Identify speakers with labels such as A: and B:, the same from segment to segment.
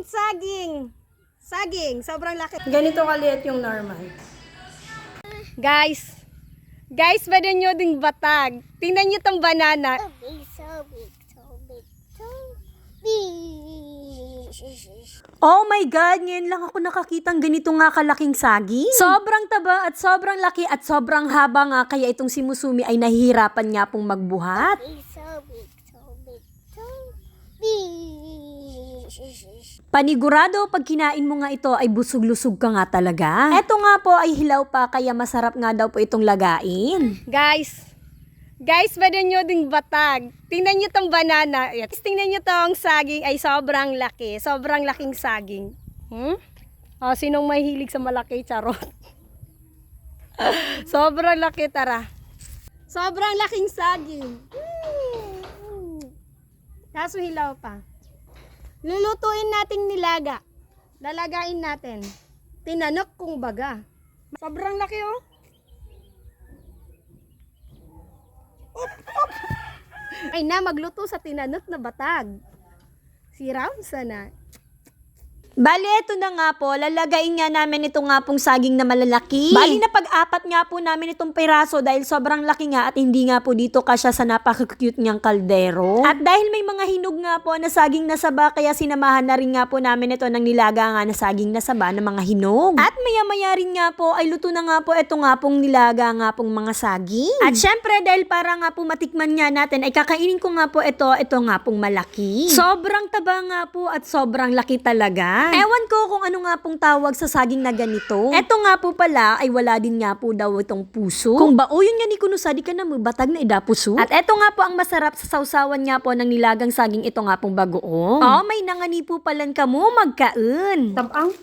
A: saging. Saging, sobrang laki.
B: Ganito kaliit yung normal.
A: Guys, pwede nyo ding batag. Tingnan nyo tong banana.
C: So big, so big, so big, so big.
B: Oh my God, ngayon lang ako nakakitang ganito nga kalaking saging. Sobrang taba at sobrang laki at sobrang haba nga kaya itong si Musumi ay nahihirapan nga pong magbuhat.
C: So big, so big, so big.
B: Panigurado pag kinain mo nga ito ay busog-lusog ka nga talaga. Eto nga po ay hilaw pa kaya masarap nga daw po itong lagain.
A: Guys, pwede nyo ding batag. Tingnan nyo tong banana. Tingnan nyo tong saging ay sobrang laki. Sobrang laking saging. O, sinong mahilig sa malaki? Charot. Sobrang laki, tara. Sobrang laking saging. Kaso hilaw pa. Lulutuin natin nilaga. Lalagain natin. Tinanok kung baga. Sobrang laki oh. Ay na, magluto sa tinanok na batag. Si Ramsa na.
B: Bali, ito na nga po, lalagayin nga namin ito nga pong saging na malalaki. Bali na pag-apat nga po namin itong piraso dahil sobrang laki nga at hindi nga po dito kasya sa napaka-cute niyang kaldero. At dahil may mga hinog nga po na saging na saba, kaya sinamahan na rin nga po namin ito ng nilaga nga na saging na saba ng mga hinog. At maya-maya rin nga po ay luto na nga po ito nga pong nilaga nga pong mga saging. At syempre dahil para nga po matikman nga natin ay kakainin ko nga po ito nga pong malaki. Sobrang taba nga po at sobrang laki talaga. Ewan ko kung ano nga pong tawag sa saging na ganito. Eto nga po pala ay wala din nga po daw itong puso. Kung yun nga ni Kunusa, di ka na batag na idapuso. At eto nga po ang masarap sa sausawan nga po ng nilagang saging ito nga pong bagoong. Oh, may nangani po palan ka mo magkain.
A: Tabang.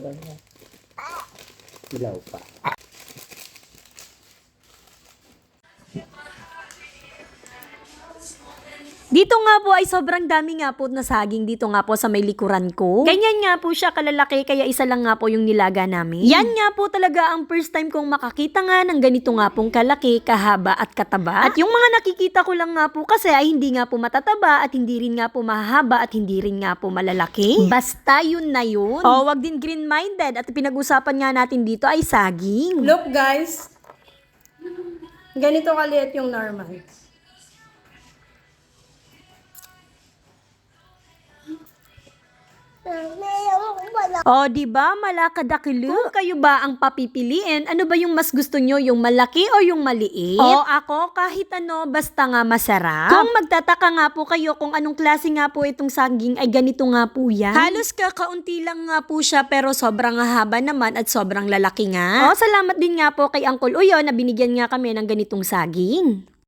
D: Ilaw pa.
B: Dito nga po ay sobrang dami nga po na saging dito nga po sa may likuran ko. Ganyan nga po siya kalalaki kaya isa lang nga po yung nilaga namin. Yan nga po talaga ang first time kong makakita nga ng ganito nga pong kalaki, kahaba at kataba. At yung mga nakikita ko lang nga po kasi ay hindi nga po matataba at hindi rin nga po mahaba at hindi rin nga po malalaki. Basta yun na yun. O wag din green-minded at pinag-usapan nga natin dito ay saging.
A: Look guys, ganito kaliit yung normal.
B: O, di ba malakadakilu? Kung kayo ba ang papipiliin, ano ba yung mas gusto nyo, yung malaki o yung maliit? O, ako kahit ano, basta nga masarap. Kung magtataka nga po kayo kung anong klase nga po itong saging, ay ganito nga po yan. Halos kakaunti lang nga po siya pero sobrang haba naman at sobrang lalaki nga. O, salamat din nga po kay Uncle Uyo na binigyan nga kami ng ganitong saging.